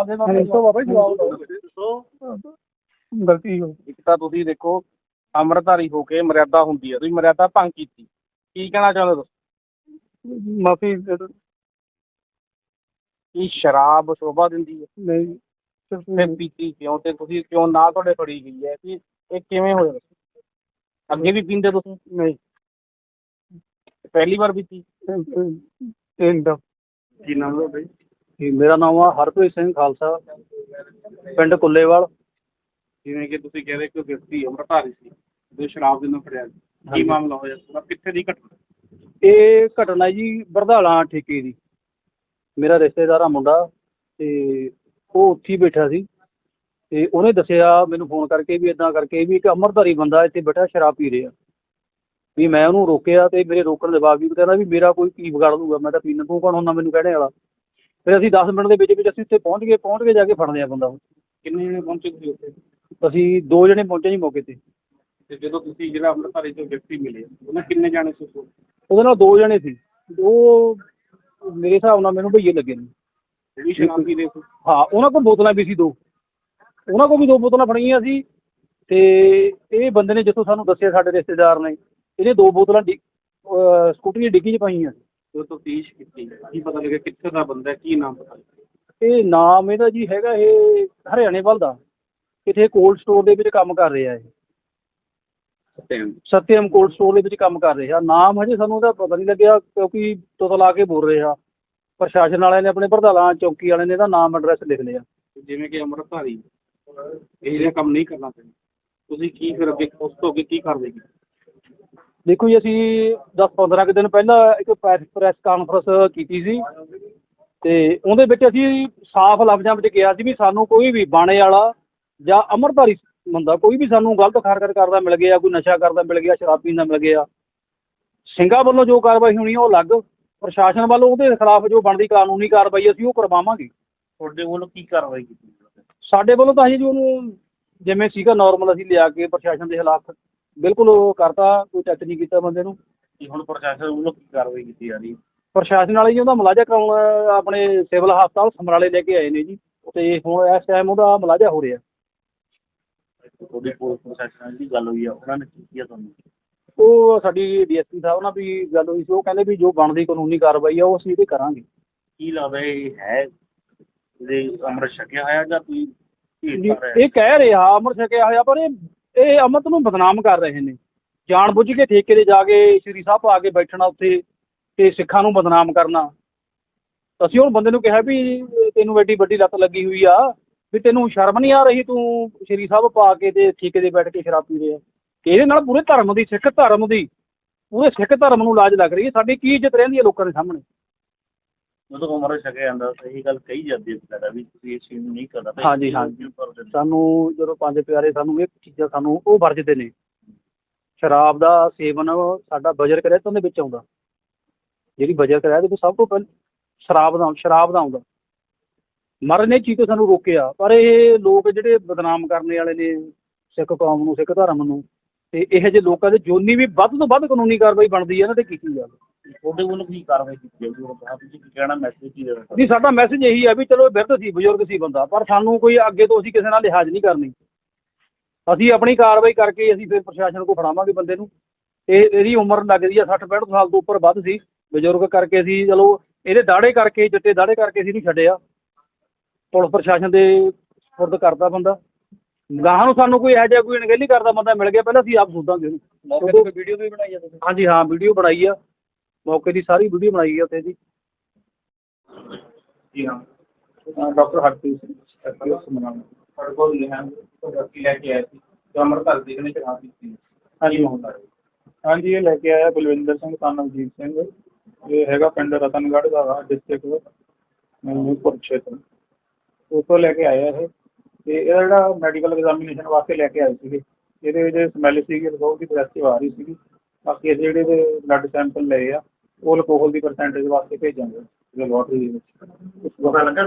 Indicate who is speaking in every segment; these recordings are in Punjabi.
Speaker 1: ਜਵਾਬ ਦੇ ਬਾਬਾ ਜਵਾਬ ਦਿਓ। ਗਲਤੀ ਹੋ ਇੱਕ ਤਾਂ ਤੁਸੀਂ ਦੇਖੋ ਅੰਮ੍ਰਿਤਧਾਰੀ ਹੋ ਕੇ ਮਰਿਆਦਾ ਹੁੰਦੀ ਹੈ, ਤੁਸੀਂ ਮਰਿਆਦਾ ਭੰਗ ਕੀਤੀ, ਕੀ ਕਹਿਣਾ ਚਾਹੁੰਦੇ ਹੋ? ਮਾਫੀ ਕੀ ਸ਼ਰਾਬ ਸ਼ੋਭਾ ਦਿੰਦੀ ਹੈ? ਨਹੀਂ। ਫਿਰ ਪੀਤੀ ਕਿਉਂ ਤੇ ਤੁਸੀਂ ਕਿਉਂ ਨਾ ਤੁਹਾਡੇ ਫੜੀ ਗਈ ਹੈ ਕਿ ਇਹ ਕਿਵੇਂ ਹੋਇਆ? ਅੱਗੇ ਵੀ ਪੀਂਦੇ ਤੁਸੀਂ? ਨਹੀਂ। ਪਹਿਲੀ ਵਾਰ ਪੀਤੀ? ਕੀ ਨਾਮ ਹੈ ਬਈ? ਮੇਰਾ ਨਾਮ ਆ ਹਰਪ੍ਰੀਤ ਸਿੰਘ ਖਾਲਸਾ, ਪਿੰਡ ਕੁੱਲੇਵਾਲ। ਜਿਵੇਂ ਕਿ ਤੁਸੀਂ ਕਹਿੰਦੇ ਕਿ ਵਿਅਕਤੀ ਅੰਮ੍ਰਿਤਧਾਰੀ ਸੀ ਜੋ ਸ਼ਰਾਬ ਦੇ ਨਾਲ ਫੜਿਆ, ਕੀ ਮਾਮਲਾ ਹੋਇਆ? ਕਿੱਥੇ ਦੀ ਘਟਨਾ? ਇਹ ਘਟਨਾ ਜੀ ਬਰਧਾਲਾ ਠੇਕੇ ਦੀ। ਮੇਰਾ ਰਿਸ਼ਤੇਦਾਰ ਆ ਮੁੰਡਾ, ਤੇ ਉਹ ਉੱਥੇ ਬੈਠਾ ਸੀ ਤੇ ਉਹਨੇ ਦੱਸਿਆ ਮੈਨੂੰ ਫੋਨ ਕਰਕੇ ਵੀ ਏਦਾਂ ਕਰਕੇ ਵੀ ਇੱਕ ਅੰਮ੍ਰਿਤਧਾਰੀ ਬੰਦਾ ਇੱਥੇ ਬੈਠਾ ਸ਼ਰਾਬ ਪੀ ਰਿਹਾ। ਵੀ ਮੈਂ ਉਹਨੂੰ ਰੋਕਿਆ ਤੇ ਮੇਰੇ ਰੋਕਣ ਦੇ ਬਾਵਜੂਦ ਕਹਿੰਦਾ ਵੀ ਮੇਰਾ ਕੋਈ ਕੀ ਵਿਗਾੜ ਦੂਗਾ, ਮੈਂ ਤਾਂ ਪੀਣਾ, ਤੂੰ ਕੌਣ ਹੁੰਦਾ ਮੈਨੂੰ ਕਹਿਣੇ ਵਾਲਾ। ਫਿਰ ਅਸੀਂ 10 ਮਿੰਟ ਦੇ ਵਿੱਚ ਅਸੀਂ ਉੱਥੇ ਪਹੁੰਚ ਕੇ ਜਾ ਕੇ ਫੜਦੇ ਆ ਬੰਦਾ। ਕਿੰਨੇ ਜਣੇ ਪਹੁੰਚੇ ਤੁਸੀਂ ਉੱਥੇ? ਅਸੀਂ 2 ਜਣੇ ਪਹੁੰਚੇ ਜੀ ਮੌਕੇ ਤੇ। ਤੇ ਜਦੋਂ ਤੁਸੀਂ ਜਿਹੜਾ ਅੰਮ੍ਰਿਤਧਾਰੀ ਤੋਂ ਵਿਅਕਤੀ ਮਿਲੇ ਉਹਨਾਂ ਕਿੰਨੇ ਜਾਣੇ ਸੀ? ਉਹਦੇ ਨਾਲ 2 ਜਣੇ ਸੀ। ਉਹ ਮੇਰੇ ਹਿਸਾਬ ਨਾਲ ਮੈਨੂੰ ਭਈਏ ਲੱਗੇ ਨੇ। ਹਾਂ, ਉਹਨਾਂ ਕੋਲ ਬੋਤਲਾਂ ਵੀ ਸੀ 2, ਉਹਨਾਂ ਕੋਲ ਵੀ 2 ਬੋਤਲਾਂ ਫੜੀਆਂ ਸੀ। ਤੇ ਇਹ ਬੰਦੇ ਨੇ ਜਿੱਥੋਂ ਸਾਨੂੰ ਦੱਸਿਆ ਸਾਡੇ ਰਿਸ਼ਤੇਦਾਰ ਨੇ, ਇਹਨੇ 2 ਬੋਤਲਾਂ ਸਕੂਟਰੀ ਦੀ ਡਿੱਗੀ 'ਚ ਪਾਈਆਂ। ਜਦੋਂ ਤਫਤੀਸ਼ ਕੀਤੀ ਕੀ ਪਤਾ ਲੱਗਿਆ ਕਿੱਥੇ ਦਾ ਬੰਦਾ, ਕੀ ਨਾਮ ਪਤਾ? ਇਹ ਨਾਮ ਇਹਦਾ ਜੀ ਹੈਗਾ ਇਹ ਹਰਿਆਣੇ ਵੱਲ ਦਾ, ਕਿਤੇ ਕੋਲਡ ਸਟੋਰ ਦੇ ਵਿੱਚ ਕੰਮ ਕਰ ਰਿਹਾ ਇਹ। ਸਤਿਅਮ ਕੋਲਡ ਸਟੋਰ ਦੇ ਵਿੱਚ ਕੰਮ ਕਰ ਰਿਹਾ। ਨਾਮ ਹਜੇ ਸਾਨੂੰ ਉਹਦਾ ਪਤਾ ਨਹੀਂ ਲੱਗਿਆ ਕਿਉਂਕਿ ਤੁਤਲਾ ਕੇ ਬੋਲ ਰਿਹਾ। ਪ੍ਰਸ਼ਾਸਨ ਵਾਲਿਆਂ ਨੇ ਆਪਣੇ ਪ੍ਰਧਾਨਾ ਚੌਕੀ ਵਾਲਿਆਂ ਨੇ ਇਹਦਾ ਨਾਮ ਐਡਰੈਸ ਲਿਖ ਲਿਆ। ਜਿਵੇਂ ਕਿ ਅੰਮ੍ਰਿਤਧਾਰੀ ਇਹ ਜਿਹਾ ਕੰਮ ਨਹੀਂ ਕਰਨਾ ਚਾਹੀਦਾ, ਤੁਸੀਂ ਕੀ ਫਿਰ ਅੱਗੇ ਉਸ ਤੋਂ ਅੱਗੇ ਕੀ ਕਾਰਵਾਈ ਕੀਤੀ? ਦੇਖੋ ਜੀ ਅਸੀਂ 10-15 ਦਿਨ ਪਹਿਲਾਂ ਇੱਕ ਪ੍ਰੈਸ ਕਾਨਫਰੰਸ ਕੀਤੀ ਸੀ ਤੇ ਉਹਦੇ ਵਿੱਚ ਅਸੀਂ ਸਾਫ਼ ਲਫ਼ਜ਼ਾਂ ਵਿੱਚ ਕਿਹਾ ਸੀ ਵੀ ਸਾਨੂੰ ਕੋਈ ਵੀ ਬਾਣੇ ਵਾਲਾ ਜਾਂ ਅੰਮ੍ਰਿਤਧਾਰੀ ਬੰਦਾ ਕੋਈ ਵੀ ਸਾਨੂੰ ਗਲਤ ਹਰਕਤ ਕਰਦਾ ਮਿਲ ਗਿਆ, ਕੋਈ ਨਸ਼ਾ ਕਰਦਾ ਮਿਲ ਗਿਆ, ਸ਼ਰਾਬ ਪੀਂਦਾ ਮਿਲ ਗਿਆ, ਸਿੰਘਾਂ ਵੱਲੋਂ ਜੋ ਕਾਰਵਾਈ ਹੋਣੀ ਉਹ ਅਲੱਗ, ਪ੍ਰਸ਼ਾਸਨ ਵੱਲੋਂ ਉਹਦੇ ਖਿਲਾਫ ਜੋ ਬਣਦੀ ਕਾਨੂੰਨੀ ਕਾਰਵਾਈ ਅਸੀਂ ਉਹ ਕਰਵਾਵਾਂਗੇ। ਤੁਹਾਡੇ ਵੱਲੋਂ ਕੀ ਕਾਰਵਾਈ ਕੀਤੀ? ਸਾਡੇ ਵੱਲੋਂ ਤਾਂ ਅਸੀਂ ਜੀ ਉਹਨੂੰ ਜਿਵੇਂ ਸੀਗਾ ਨਾਰਮਲ ਅਸੀਂ ਲਿਆ ਕੇ ਪ੍ਰਸ਼ਾਸਨ ਦੇ ਖਿਲਾਫ ਬਿਲਕੁਲ ਉਹ ਕਰਤਾ, ਕੋਈ ਟੱਚ ਨਹੀਂ ਕੀਤਾ ਬੰਦੇ ਨੂੰ। ਹੁਣ ਪ੍ਰਸ਼ਾਸਨ ਵੱਲੋਂ ਕੀ ਕਾਰਵਾਈ ਕੀਤੀ ਜਾ ਰਹੀ? ਪ੍ਰਸ਼ਾਸਨ ਵਾਲੇ ਜੀ ਉਹਦਾ ਮੁਲਾਜ਼ਾ ਕਰਾਉਣ ਆਪਣੇ ਸਿਵਲ ਹਸਪਤਾਲ ਸਮਰਾਲੇ ਲੈ ਕੇ ਆਏ ਨੇ ਜੀ, ਤੇ ਹੁਣ ਇਸ ਟਾਈਮ ਉਹਦਾ ਮੁਲਾਜ਼ਾ ਹੋ ਰਿਹਾ। ਤੁਹਾਡੀ ਪੁਲਿਸ ਪ੍ਰਸ਼ਾਸਨ ਦੀ ਗੱਲ ਹੋਈ ਆ, ਉਹਨਾਂ ਨੇ ਕੀ ਕੀਤਾ ਤੁਹਾਨੂੰ? ਉਹ ਸਾਡੀ ਡੀਐਸਪੀ ਸਾਹਿਬ ਨਾਲ ਵੀ ਗੱਲ ਹੋਈ ਸੀ, ਉਹ ਕਹਿੰਦੇ ਵੀ ਜੋ ਬਣਦੀ ਕਾਨੂੰਨੀ ਕਾਰਵਾਈ ਆ ਉਹ ਅਸੀਂ ਇਹਦੇ ਕਰਾਂਗੇ। ਕੀ ਲੱਗਦਾ ਇਹ ਹੈ ਅੰਮ੍ਰਿਤ ਛਕਿਆ ਹੋਇਆ ਜਾਂ ਕੋਈ? ਇਹ ਕਹਿ ਰਿਹਾ ਅੰਮ੍ਰਿਤ ਛਕਿਆ ਹੋਇਆ, ਪਰ ਇਹ ਅੰਮ੍ਰਿਤ ਨੂੰ ਬਦਨਾਮ ਕਰ ਰਹੇ ਨੇ ਜਾਣ ਬੁੱਝ ਕੇ। ਠੇਕੇ ਤੇ ਜਾ ਕੇ ਸ਼੍ਰੀ ਸਾਹਿਬ ਆ ਕੇ ਬੈਠਣਾ ਉੱਥੇ ਤੇ ਸਿੱਖਾਂ ਨੂੰ ਬਦਨਾਮ ਕਰਨਾ। ਅਸੀਂ ਹੁਣ ਬੰਦੇ ਨੂੰ ਕਿਹਾ ਵੀ ਤੈਨੂੰ ਐਡੀ ਵੱਡੀ ਲੱਤ ਲੱਗੀ ਹੋਈ ਆ, ਵੀ ਤੈਨੂੰ ਸ਼ਰਮ ਨਹੀਂ ਆ ਰਹੀ, ਤੂੰ ਸ਼੍ਰੀ ਸਾਹਿਬ ਪਾ ਕੇ ਤੇ ਠੇਕੇ ਤੇ ਬੈਠ ਕੇ ਸ਼ਰਾਬ ਪੀ ਰਿਹਾ। ਇਹਦੇ ਨਾਲ ਪੂਰੇ ਧਰਮ ਦੀ, ਸਿੱਖ ਧਰਮ ਦੀ, ਪੂਰੇ ਸਿੱਖ ਧਰਮ ਨੂੰ ਲਾਜ ਲੱਗ ਰਹੀ ਹੈ। ਸਾਡੀ ਕੀ ਇੱਜ਼ਤ ਰਹਿੰਦੀ ਹੈ ਲੋਕਾਂ ਦੇ ਸਾਹਮਣੇ? ਜਦੋਂ ਅੰਮ੍ਰਿਤ ਛਕਿਆ ਜਾਂਦਾ ਸਹੀ ਗੱਲ ਕਹੀ ਜਾਂਦੀ ਹੈ ਵੀ ਤੁਸੀਂ ਇਸ ਚੀਜ਼ ਨੂੰ ਨਹੀਂ ਕਰਨਾ। ਹਾਂਜੀ ਹਾਂਜੀ, ਸਾਨੂੰ ਜਦੋਂ 5 ਪਿਆਰੇ ਸਾਨੂੰ ਇਹ ਚੀਜ਼ਾਂ ਸਾਨੂੰ ਉਹ ਵਰਜਦੇ ਨੇ। ਸ਼ਰਾਬ ਦਾ ਸੇਵਨ ਸਾਡਾ ਬਜਰ ਕਰਿਆ ਦੇ ਵਿੱਚ ਆਉਂਦਾ, ਜਿਹੜੀ ਬਜਰ ਕਰਿਆ ਦੇ ਸਭ ਤੋਂ ਪਹਿਲਾਂ ਸ਼ਰਾਬ ਦਾ ਆਉਂਦਾ। ਮਹਾਰਾਜ ਨੇ ਚੀਜ਼ ਤੋਂ ਸਾਨੂੰ ਰੋਕਿਆ, ਪਰ ਇਹ ਲੋਕ ਜਿਹੜੇ ਬਦਨਾਮ ਕਰਨੇ ਵਾਲੇ ਨੇ ਸਿੱਖ ਕੌਮ ਨੂੰ, ਸਿੱਖ ਧਰਮ ਨੂੰ, ਤੇ ਇਹੋ ਜਿਹੇ ਲੋਕਾਂ ਦੇ ਜੋਨੀ ਵੀ ਵੱਧ ਤੋਂ ਵੱਧ ਕਾਨੂੰਨੀ ਕਾਰਵਾਈ ਬਣਦੀ ਹੈ ਇਹਨਾਂ ਤੇ ਕੀਤੀ ਜਾਵੇ। ਤੁਹਾਡੇ ਵੱਲੋਂ ਕੀ ਕਾਰਵਾਈ ਕੀਤੀ ਜਾਊਗੀ? ਤੁਸੀਂ ਕੀ ਕਹਿਣਾ, ਮੈਸੇਜ ਕੀ ਦੇਣਾ? ਨਹੀਂ, ਸਾਡਾ ਮੈਸੇਜ ਇਹੀ ਹੈ ਵੀ ਚਲੋ ਬਿਰਧ ਸੀ, ਬਜ਼ੁਰਗ ਸੀ ਬੰਦਾ, ਪਰ ਸਾਨੂੰ ਕੋਈ ਅੱਗੇ ਤੋਂ ਅਸੀਂ ਕਿਸੇ ਨਾਲ ਲਿਹਾਜ਼ ਨਹੀਂ ਕਰਨੀ। ਅਸੀਂ ਆਪਣੀ ਕਾਰਵਾਈ ਕਰਕੇ ਅਸੀਂ ਫਿਰ ਪ੍ਰਸ਼ਾਸਨ ਕੋਲ ਫੜਾਵਾਂਗੇ ਬੰਦੇ ਨੂੰ। ਇਹਦੀ ਉਮਰ ਲੱਗਦੀ ਆ 60-65 ਸਾਲ ਤੋਂ ਉੱਪਰ ਵੱਧ ਸੀ, ਬਜ਼ੁਰਗ ਕਰਕੇ ਅਸੀਂ ਚਲੋ ਇਹਦੇ ਦਾੜੇ ਕਰਕੇ, ਚਿੱਟੇ ਦਾੜੇ ਕਰਕੇ ਅਸੀਂ ਨਹੀਂ ਛੱਡਿਆ। ਪੁਲਿਸ ਪ੍ਰਸ਼ਾਸਨ ਦੇ ਸਪੁਰਦ ਕਰਦਾ ਬੰਦਾ। ਗਾਹਾਂ ਨੂੰ ਸਾਨੂੰ ਕੋਈ ਇਹੋ ਜਿਹਾ ਕੋਈ ਅਣਗਹਿਲੀ ਕਰਦਾ ਬੰਦਾ ਮਿਲ ਗਿਆ, ਪਹਿਲਾਂ ਅਸੀਂ ਆਪ ਸੋਧਾਂਗੇ ਉਹਨੂੰ। ਮੌਕੇ ਤੇ ਵੀਡੀਓ ਵੀ ਬਣਾਈ ਆ ਤੁਸੀਂ? ਹਾਂਜੀ ਹਾਂ, ਵੀਡੀਓ ਬਣਾਈ ਆ, ਮੌਕੇ ਦੀ ਸਾਰੀ ਵੀਡੀਓ ਬਣਾਈ ਆ ਉੱਥੇ ਦੀ। ਜੀ ਹਾਂ, ਡਾਕਟਰ ਹਰਪ੍ਰੀਤ ਸਿੰਘ ਸਾਡੇ ਕੋਲ ਲੈ ਕੇ ਆਏ ਸੀ ਅੰਮ੍ਰਿਤਧਾਰੀ ਦੀ ਇਹਨੇ ਸ਼ਰਾਬ ਪੀਤੀ। ਹਾਂਜੀ ਹਾਂਜੀ, ਇਹ ਲੈ ਕੇ ਆਇਆ ਬਲਵਿੰਦਰ ਸਿੰਘ son ਅਜੀਤ ਸਿੰਘ, ਇਹ ਹੈਗਾ ਪਿੰਡ ਰਤਨਗੜ੍ਹ ਦਾ, ਡਿਸਟ੍ਰਿਕਟ ਕੁਰੂਕਸ਼ੇਤਰ, ਉੱਥੋਂ ਲੈ ਕੇ ਆਇਆ ਇਹ। ਤੇ ਇਹਦਾ ਜਿਹੜਾ ਮੈਡੀਕਲ ਐਗਜ਼ਾਮੀਨੇਸ਼ਨ ਵਾਸਤੇ ਲੈ ਕੇ ਆਏ ਸੀਗੇ, ਇਹਦੇ ਵਿੱਚ ਸਮੈਲ ਸੀਗੀ, ਅਲਕੋਹਲ ਦੀ ਪੋਜੈਸਿਵ ਆ ਰਹੀ ਸੀਗੀ। ਬਾਕੀ ਇਹਦੇ ਜਿਹੜੇ ਬਲੱਡ ਸੈਂਪਲ ਲਏ ਆ ਉਹ ਅਲਕੋਹਲ ਦੀ ਪਰਸੈਂਟੇਜ ਵਾਸਤੇ ਭੇਜਾਂਗੇ ਲੈਬੋਰਟਰੀ ਦੇ ਵਿੱਚ। ਪਤਾ ਲੱਗਾ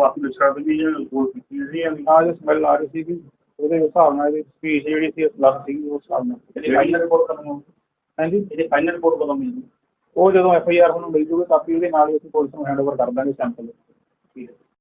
Speaker 1: ਜੋ ਸਮੈਲ ਆ ਰਹੀ ਸੀਗੀ ਉਹਦੇ ਹਿਸਾਬ ਨਾਲ ਇਹਦੀ ਸਪੀਚ ਜਿਹੜੀ ਸੀ ਲੱਗ ਸੀਗੀ, ਉਸ ਹਿਸਾਬ ਨਾਲ। ਹਾਂਜੀ, ਇਹਦੀ ਫਾਈਨਲ ਰਿਪੋਰਟ ਕਦੋਂ ਮਿਲਦੀ? ਉਹ ਜਦੋਂ FIR ਨੂੰ ਮਿਲ ਜੂਗੀ ਕਾਪੀ, ਉਹਦੇ ਨਾਲ ਹੀ ਅਸੀਂ ਪੁਲਿਸ ਨੂੰ ਹੈਂਡਓਵਰ ਕਰ ਦਾਂਗੇ ਸੈਂਪਲ। ਠੀਕ ਹੈ।